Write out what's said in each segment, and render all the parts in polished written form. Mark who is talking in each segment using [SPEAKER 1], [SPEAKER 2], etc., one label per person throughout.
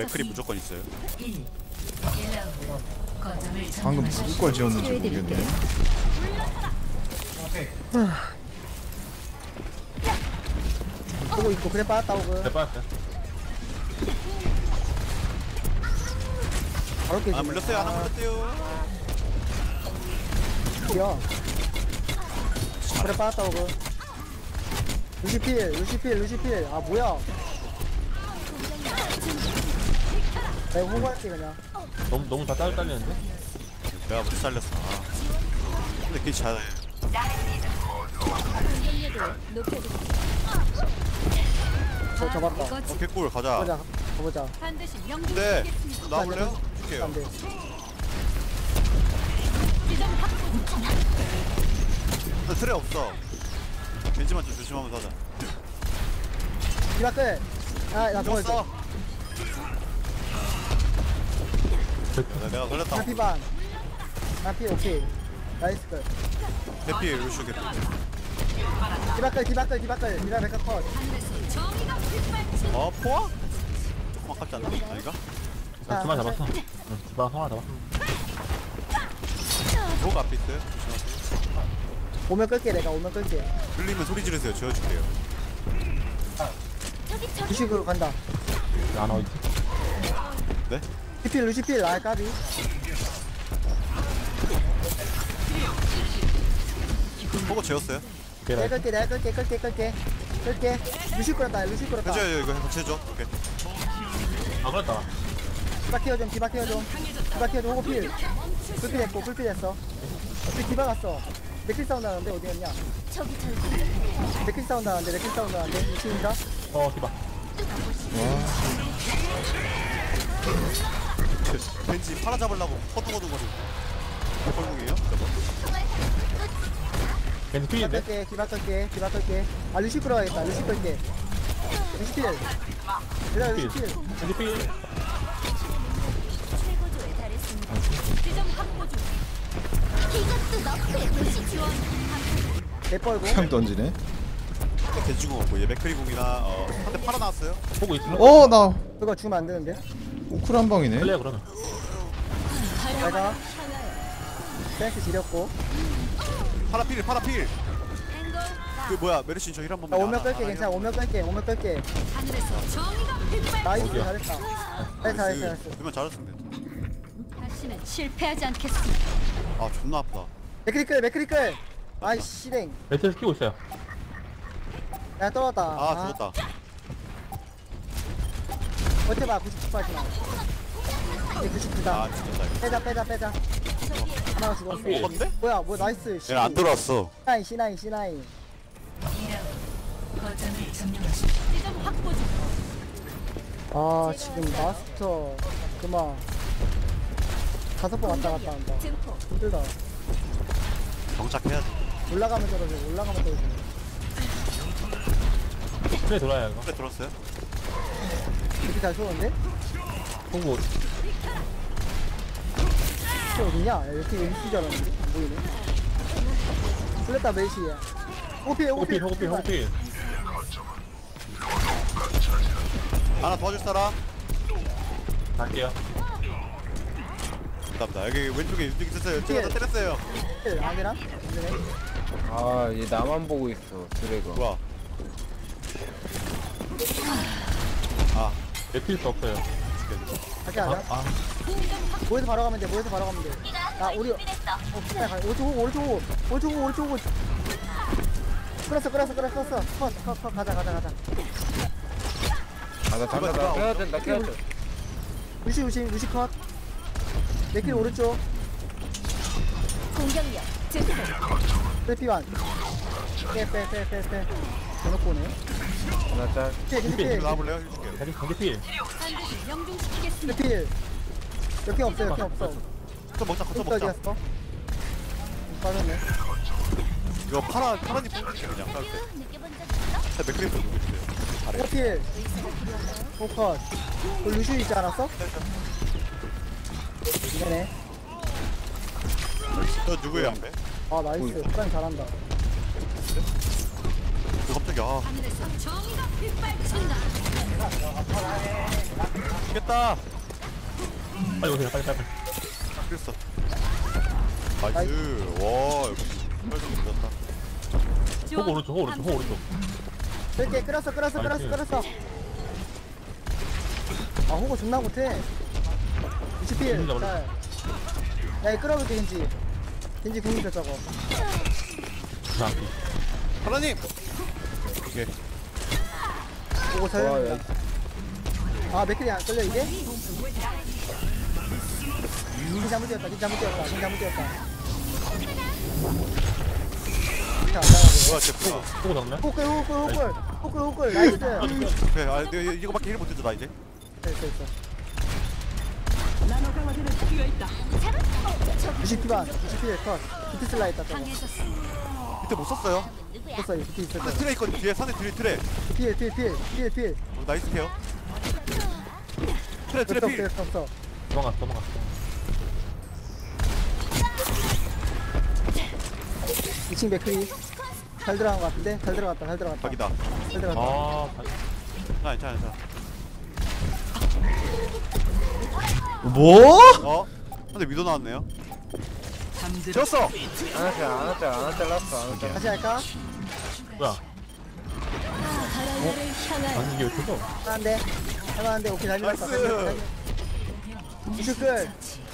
[SPEAKER 1] 맥크리 무조건 있어요.
[SPEAKER 2] 방금 무슨 걸 지었는지 모르겠네.
[SPEAKER 3] 보고 있고 그래 빠졌다 오고
[SPEAKER 4] 네, 빠졌어요.
[SPEAKER 3] 바로 깨지네.
[SPEAKER 1] 아 물렸어요. 하나 물렸대요.
[SPEAKER 3] 야 그래 빠졌다 오고 루시필 아 뭐야 내가 홍보할게 그냥
[SPEAKER 4] 너무 다 딸리는데?
[SPEAKER 1] 내가 못 살렸어. 아. 근데 그게 잘해.
[SPEAKER 3] 저 잡았다
[SPEAKER 1] 어 개꿀 가자.
[SPEAKER 3] 가보자
[SPEAKER 1] 네. 나올래요? 줄게요.
[SPEAKER 3] 안돼
[SPEAKER 1] 나 틀에 없어. 겐지만 좀 조심하면서 하자.
[SPEAKER 3] 디바클 아나 저거
[SPEAKER 1] 죽었어. 내가 걸렸다.
[SPEAKER 3] 나피반 나피 오케이 나이스 걸
[SPEAKER 1] 대피 루슈 개피.
[SPEAKER 3] 디바클 디바 메카 컷
[SPEAKER 1] 어 포화? 조금 아깝지 않나? 아닌가?
[SPEAKER 4] 두마 잡았어. 응, 두마 하나 잡았어.
[SPEAKER 1] 뭐가 앞에 있어요? 조심하세요.
[SPEAKER 3] 오면 끌게 내가 오면 끌게
[SPEAKER 1] 들리면 소리 지르세요. 지어줄게요.
[SPEAKER 3] 루시으로 간다
[SPEAKER 4] 안 어디?
[SPEAKER 1] 네?
[SPEAKER 3] 루시필 아 까비
[SPEAKER 1] 보고 재웠어요.
[SPEAKER 3] 내가 끌게 루시 끌었다
[SPEAKER 1] 해줘요. 이거 같이 해줘. 오케이.
[SPEAKER 4] 아 그랬다.
[SPEAKER 3] 디바 케어 좀 호고필 풀필 했어 어떻게 디바 갔어 맥킬 사운드 하는데 어디였냐 맥킬 사운드 하는데 미친인가?
[SPEAKER 4] 디바.
[SPEAKER 1] 왠지 팔아 잡으려고 허둥허둥거리고. 꼴목이에요?
[SPEAKER 4] 겐지 필인데?
[SPEAKER 3] 디바 끌게 아 루시 끌어야겠다 루시 끌게 루시필 얘들아 루시필
[SPEAKER 4] 겐지 필.
[SPEAKER 3] 내뻘고
[SPEAKER 2] 그냥 던지네.
[SPEAKER 1] 겐지궁 없고 얘 맥크리궁이나 한 대 팔아 나왔어요.
[SPEAKER 4] 보고 있으면.
[SPEAKER 2] 나
[SPEAKER 3] 그거 주면 안 되는데
[SPEAKER 2] 우쿨 한 방이네.
[SPEAKER 4] 플레이 그러면.
[SPEAKER 3] 내가 센스 지렸고
[SPEAKER 1] 파라필. 그 뭐야 메르신 저 힐 한
[SPEAKER 3] 나
[SPEAKER 1] 번만.
[SPEAKER 3] 오면 끌게 괜찮아 오면 끌게 나이스
[SPEAKER 4] 어디야?
[SPEAKER 3] 잘했다 잘했어
[SPEAKER 1] 그러면 잘했으면 돼.
[SPEAKER 5] 다시는 실패하지 않겠습니다.
[SPEAKER 1] 아 존나 아프다.
[SPEAKER 3] 맥크리끌 아이 씨랭
[SPEAKER 4] 매트를 키고 있어요.
[SPEAKER 3] 야 떨어졌다
[SPEAKER 1] 아 죽었다.
[SPEAKER 3] 버텨봐 99까지만 이제 99다
[SPEAKER 1] 아 진짜.
[SPEAKER 3] 빼자 하나가 죽었어
[SPEAKER 1] 먹었는데?
[SPEAKER 3] 뭐야 나이스
[SPEAKER 1] 얘는 안 들어왔어.
[SPEAKER 3] C9 아 지금 마스터 그만 5번 왔다 갔다 한다 힘들다
[SPEAKER 1] 정착해야지.
[SPEAKER 3] 올라가면 떨어져
[SPEAKER 4] 플레이 돌아야 이거.
[SPEAKER 1] 그래 들었어요?
[SPEAKER 3] 이렇게 잘 쏘는데?
[SPEAKER 4] 보고.
[SPEAKER 3] 이게 어디냐? 야, 이렇게 MC 줄 알았는데? 안 보이네 풀렸다 메이시야 호필
[SPEAKER 4] 호구필.
[SPEAKER 1] 하나 도와줄 사람?
[SPEAKER 4] 갈게요.
[SPEAKER 1] 감사합니다. 여기 왼쪽에 윤중이 있었어요. 제가 다 때렸어요.
[SPEAKER 3] 안 되나? 안 되네
[SPEAKER 6] 아, 얘 나만 보고 있어, 드래곤.
[SPEAKER 1] 뭐야? 아
[SPEAKER 4] 매트일 수 없어요.
[SPEAKER 3] 가자 모여서 바로 가면 돼 아 우리 오른쪽 호 끌었어 컷 가자
[SPEAKER 6] 아, 나 잠깐, 나 켜야 돼.
[SPEAKER 3] 루시 컷 내길 오른쪽
[SPEAKER 5] 공격력 증폭.
[SPEAKER 3] 빼 빼 대놓고 오네
[SPEAKER 6] 하나 짤.
[SPEAKER 3] 필
[SPEAKER 1] 나와볼래요? 해줄게요.
[SPEAKER 4] 겐지 필.
[SPEAKER 5] 반드시 명중시키겠습니다.
[SPEAKER 3] 필 역행 없어
[SPEAKER 1] 또 먹자.
[SPEAKER 3] 어디였어? 빠졌네
[SPEAKER 1] 이거 파란이 뽑을게 그냥 싸울 때.
[SPEAKER 5] 느껴본 적 있어?
[SPEAKER 1] 자 맥크리프 누구 있어요? 아래.
[SPEAKER 3] 호필 호컷 그 루시 있지 않았어? 네네
[SPEAKER 1] 저 누구예요 양배?
[SPEAKER 3] 아 나이스 프라임 잘한다
[SPEAKER 1] 깜짝이야.
[SPEAKER 5] 하늘에서 정의가 빗발친다.
[SPEAKER 1] 죽겠다.
[SPEAKER 4] 빨리 오세요, 빨리.
[SPEAKER 1] 그랬어. 나이스. 와, 역시. 혈좀 늦었다.
[SPEAKER 4] 호구 오른쪽.
[SPEAKER 3] 그렇게 끌었어. 아 호구 존나 못해. 20필.
[SPEAKER 4] 겐지 잡을래?
[SPEAKER 3] 야 이거 끌어볼게 겐지 궁이죠 저거.
[SPEAKER 1] 하나님. 오케이.
[SPEAKER 3] 호구
[SPEAKER 6] 와,
[SPEAKER 3] 살려.
[SPEAKER 6] 야,
[SPEAKER 3] 아 맥클이 안 끌려 이게? 겐지 잘못 뛰었다.
[SPEAKER 1] 뭐야, 쟤 포.
[SPEAKER 4] 호구 잡네?
[SPEAKER 3] 호끌 나이스.
[SPEAKER 1] 오케이. 아, 내가 이거밖에 힐 못했어, 나 이제.
[SPEAKER 3] 됐어. 90피반 컷. 비트 슬라 있다 저거.
[SPEAKER 5] 강해졌어.
[SPEAKER 1] 밑에 못 썼어요.
[SPEAKER 3] 썼어 이 비트 있을
[SPEAKER 1] 산에
[SPEAKER 3] 거.
[SPEAKER 1] 트레 있거든. 뒤에 산에 트레.
[SPEAKER 3] 필.
[SPEAKER 1] 나이스 케어. 트레 필.
[SPEAKER 3] 없어.
[SPEAKER 4] 도망갔어.
[SPEAKER 3] 2층 맥클이 잘 들어간 거 같은데? 잘 들어갔다.
[SPEAKER 1] 각이다.
[SPEAKER 3] 잘 들어갔다.
[SPEAKER 1] 괜찮아.
[SPEAKER 2] 뭐?
[SPEAKER 1] 어? 근데 위도 나왔네요. 졌어.
[SPEAKER 6] 안 잘랐어.
[SPEAKER 3] 다시 할까?
[SPEAKER 4] 뭐야?
[SPEAKER 5] 바라야를 향하여
[SPEAKER 4] 아니, 이게 왜 터져?
[SPEAKER 3] 할만한데 오케이 잘 밀었다.
[SPEAKER 1] 나이스.
[SPEAKER 3] 이슈끌.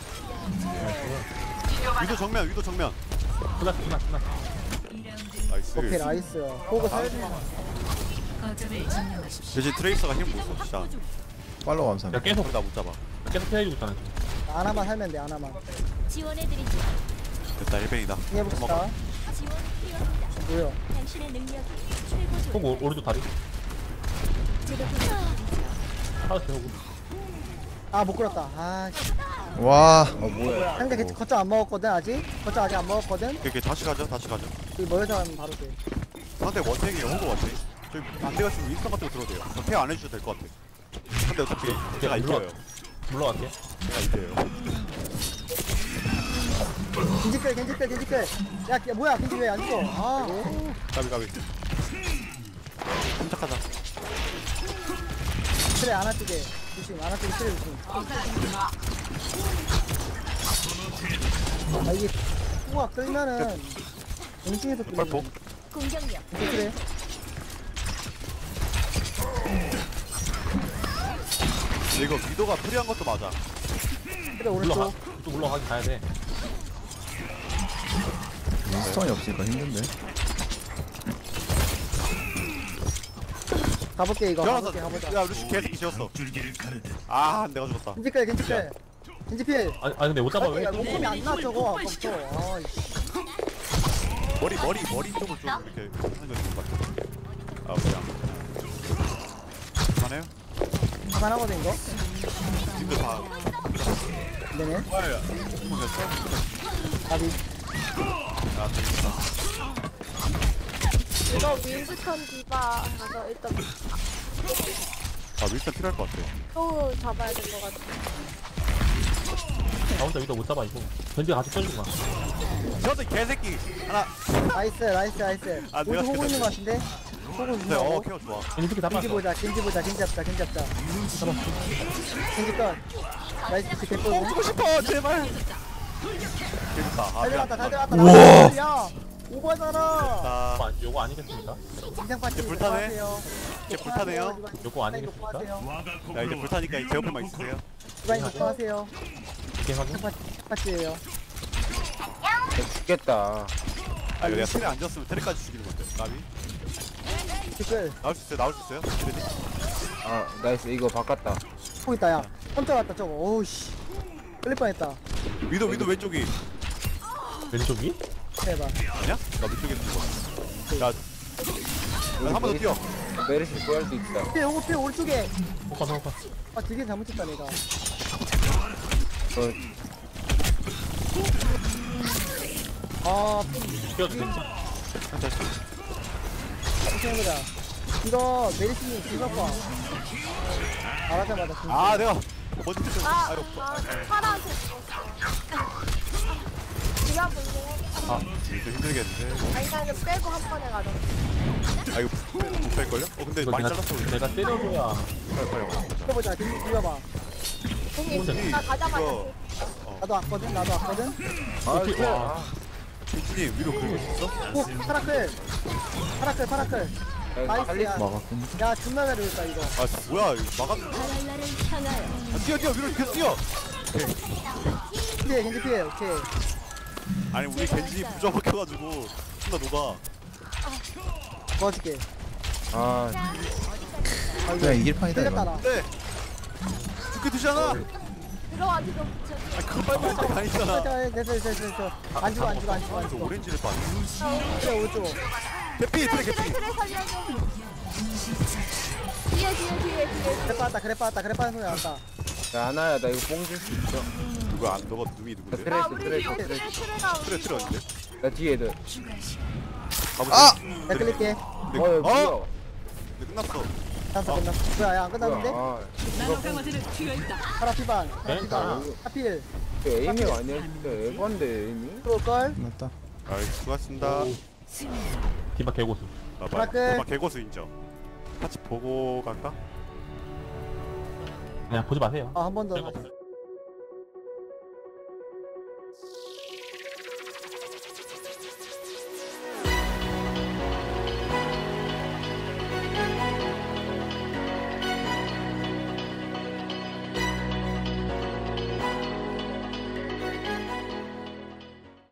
[SPEAKER 1] 위도 정면.
[SPEAKER 4] 끝났어.
[SPEAKER 1] 나이스.
[SPEAKER 3] 오케이 나이스. 호구 살지.
[SPEAKER 5] 거점을 점령하십시오.
[SPEAKER 1] 대신 트레이서가 힘 못 써. 진짜.
[SPEAKER 2] 팔로우 감사합니다.
[SPEAKER 4] 야, 계속
[SPEAKER 1] 못 잡아.
[SPEAKER 4] 피해주고 있잖아, 지금.
[SPEAKER 3] 하나만 살면 돼 하나만.
[SPEAKER 5] 지원해드리죠.
[SPEAKER 1] 됐다 1벤이다.
[SPEAKER 3] 해봅시다.
[SPEAKER 5] 지원 필요합니다.
[SPEAKER 3] 뭐야?
[SPEAKER 5] 당신의 능력이 최고조.
[SPEAKER 4] 호구 오른쪽 다리.
[SPEAKER 5] 제가 보내드리죠.
[SPEAKER 4] 하나씩 호구.
[SPEAKER 3] 아 못 끌었다. 아 씨.
[SPEAKER 2] 와.
[SPEAKER 6] 뭐야?
[SPEAKER 3] 상대 거점 안 먹었거든 아직. 거점 아직 안 먹었거든.
[SPEAKER 1] 오케이 다시 가죠.
[SPEAKER 3] 이 모여자면 바로 돼.
[SPEAKER 1] 상대 원탱이에요. 호구 원탱. 저기 안 돼가지고 윈스턴 같은 거 들어도 돼요. 저 케어 안 해주셔도 될 것 같아. 근데 어차피 제가 이겨요.
[SPEAKER 4] 물러갈게.
[SPEAKER 1] 제가 이겨요.
[SPEAKER 3] 겐지끌. 야 뭐야 겐지 왜 안 죽어? 아.
[SPEAKER 1] 가비. 깜짝하다.
[SPEAKER 3] 그래 안아주게. 조심 안아주게 그래 조심. 아 이게 우와 끌면은 공중에서 끌리는.
[SPEAKER 1] 발폭.
[SPEAKER 5] 공격력.
[SPEAKER 3] 그래.
[SPEAKER 1] 이거 위도가 프리한 것도 맞아.
[SPEAKER 3] 그래 오른쪽.
[SPEAKER 4] 또 물러가긴 가야 돼.
[SPEAKER 2] 스턴이 없으니까 힘든데.
[SPEAKER 3] 가볼게 이거.
[SPEAKER 1] 지원하자.
[SPEAKER 3] 가보자.
[SPEAKER 1] 야 루시 개새끼 지웠어. 아 내가 죽었다.
[SPEAKER 3] 겐지끌. 겐지필.
[SPEAKER 4] 아니 근데 못 잡아 왜?
[SPEAKER 3] 야 몸이 안 나 저거 아까부터. 아 이씨.
[SPEAKER 1] 머리 쪽을 좀 이렇게 하는 거 좋은 것 같아. 아 그냥. 그만해요?
[SPEAKER 3] 그만하거든 이거.
[SPEAKER 1] 지금도 다.
[SPEAKER 3] 네네.
[SPEAKER 1] 뭐야?
[SPEAKER 3] 가비.
[SPEAKER 1] 아 재밌다.
[SPEAKER 7] 이거 윈스턴 디바 가서 일단
[SPEAKER 1] 아 밀선 필요할 것 같아.
[SPEAKER 7] 또 잡아야 될 것 같아.
[SPEAKER 4] 나 혼자 위도 못 잡아 이거. 견디가 같이 쳐주지 마.
[SPEAKER 1] 저도 개새끼 하나.
[SPEAKER 3] 나이스.
[SPEAKER 1] 아, 내가
[SPEAKER 3] 오른쪽 호구 있는 거 같은데? 호구
[SPEAKER 1] 네,
[SPEAKER 3] 있는
[SPEAKER 1] 케어 좋아.
[SPEAKER 4] 이 새끼 잡아.
[SPEAKER 3] 겐지 보자. 겐지 잡자. 겐지 건. 나이스 비트 개뿔고.
[SPEAKER 1] 주고 싶어 제발. 재밌다. 아
[SPEAKER 3] 잘 들어갔다.
[SPEAKER 2] 우와.
[SPEAKER 3] 야 오버잖아.
[SPEAKER 1] 다
[SPEAKER 4] 요거 아니겠습니까?
[SPEAKER 3] 인상 파티.
[SPEAKER 1] 이제 불타네. 이제 불타네요.
[SPEAKER 4] 요거 아니겠습니까?
[SPEAKER 1] 야 이제 불타니까 제 옆에만 있으세요.
[SPEAKER 3] 주방이 녹화하세요.
[SPEAKER 4] 이렇게 확인.
[SPEAKER 3] 파티예요.
[SPEAKER 6] 죽겠다.
[SPEAKER 1] 아 이거 내가 트레 안 졌으면 트레까지 죽이는 건데. 나비
[SPEAKER 3] 댓글.
[SPEAKER 1] 나올 수 있어요? 트레디?
[SPEAKER 6] 아 나이스 이거 바꿨다.
[SPEAKER 3] 포 있다 야. 깜짝 왔다 저거. 오우씨. 끌릴 뻔했다.
[SPEAKER 1] 위도 왼쪽이
[SPEAKER 4] 왼쪽이?
[SPEAKER 3] 해봐.
[SPEAKER 1] 아니야? 나 왼쪽에 있는 거. 한 번 더 뛰어.
[SPEAKER 6] 메르시 구할 수 있다.
[SPEAKER 3] 피 오른쪽에.
[SPEAKER 4] 호카.
[SPEAKER 3] 아 되게 잘못했다 내가. 아
[SPEAKER 4] 뛰어도 되지.
[SPEAKER 3] 해보자. 이거 메리스님 뒤바꿔. 말하자마자 진짜.
[SPEAKER 1] 아 내가 먼저 뛰어.
[SPEAKER 7] 아,
[SPEAKER 1] 아이고.
[SPEAKER 7] 파란색 디바 볼래?
[SPEAKER 1] 아 좀 힘들겠는데.
[SPEAKER 7] 아니 나는 빼고 한 번에 가자.
[SPEAKER 1] 아 이거 못 뺄걸요? 근데
[SPEAKER 4] 이거
[SPEAKER 1] 많이
[SPEAKER 4] 내가,
[SPEAKER 1] 잘랐어 우리.
[SPEAKER 4] 내가 때려줘야.
[SPEAKER 1] 빨리 와.
[SPEAKER 3] 해보자. 비벼봐.
[SPEAKER 7] 형님 나 가자마자
[SPEAKER 1] 이거
[SPEAKER 3] 나도 왔거든. 나도 왔거든.
[SPEAKER 6] 아, 쟤.
[SPEAKER 4] 와.
[SPEAKER 1] 빈진이 위로 긁을 수 있어?
[SPEAKER 3] 오 파라클. 파라클 파라클. 나이스.
[SPEAKER 6] 살리.
[SPEAKER 3] 야,
[SPEAKER 2] 막았군.
[SPEAKER 3] 야 존나 잘했다 이거.
[SPEAKER 1] 아 뭐야 이거 막아.
[SPEAKER 5] 바랄라를 향하여
[SPEAKER 1] 아, 뛰어 위로 계속 뛰어.
[SPEAKER 3] 피해 겐지 피해. 오케이.
[SPEAKER 1] 아니 우리 겐진이 부자 박혀가지고 존나 녹아.
[SPEAKER 3] 도와줄게.
[SPEAKER 6] 아,
[SPEAKER 3] 아 이거
[SPEAKER 2] 그냥 이길 판이다
[SPEAKER 3] 틀렸다
[SPEAKER 2] 이거.
[SPEAKER 3] 나.
[SPEAKER 1] 네. 죽게 되잖아.
[SPEAKER 7] 들어와 지금.
[SPEAKER 1] 아 그거 빨리 할 때가 아니잖아.
[SPEAKER 3] 됐어. 안 죽어 안 죽어 안 죽어 안
[SPEAKER 1] 그래서
[SPEAKER 3] 죽어.
[SPEAKER 1] 오렌지를 봐.
[SPEAKER 3] 그래 오른쪽.
[SPEAKER 1] 개피 트랙 개피.
[SPEAKER 7] 그래 살려줘. 뒤에.
[SPEAKER 3] 그래 빠졌다 그래 빠진 소리 나왔다.
[SPEAKER 6] 야, 아나야, 나 이거 뽕 줄 수 있어.
[SPEAKER 1] 누가 안 너가 누이
[SPEAKER 6] 나
[SPEAKER 1] 누군데?
[SPEAKER 7] 아
[SPEAKER 6] 트레이스,
[SPEAKER 7] 우리
[SPEAKER 6] 트레이스,
[SPEAKER 7] 뒤에
[SPEAKER 6] 트레이스.
[SPEAKER 7] 트레가
[SPEAKER 1] 트레 트레 어딘데?
[SPEAKER 6] 나 뒤에 애들.
[SPEAKER 1] 가보자.
[SPEAKER 2] 아!
[SPEAKER 3] 내가 끌릴게.
[SPEAKER 6] 야, 뭐야?
[SPEAKER 1] 네, 끝났어.
[SPEAKER 3] 끝났어. 뭐야 야안 끝났는데?
[SPEAKER 6] 아,
[SPEAKER 3] 파라 피반. 파라
[SPEAKER 4] 네?
[SPEAKER 3] 피반. 하필.
[SPEAKER 6] 저 에이밍 아니야? 진짜 에반데, 에이밍?
[SPEAKER 3] 들어올걸?
[SPEAKER 2] 끝났다.
[SPEAKER 1] 아 수고하셨습니다.
[SPEAKER 4] 디바 개고수.
[SPEAKER 1] 아,
[SPEAKER 3] 브라클.
[SPEAKER 1] 막 개고수 인정. 같이 보고 갈까?
[SPEAKER 4] 그냥 보지 마세요.
[SPEAKER 3] 아 한 번 더.
[SPEAKER 4] 별거 없어요.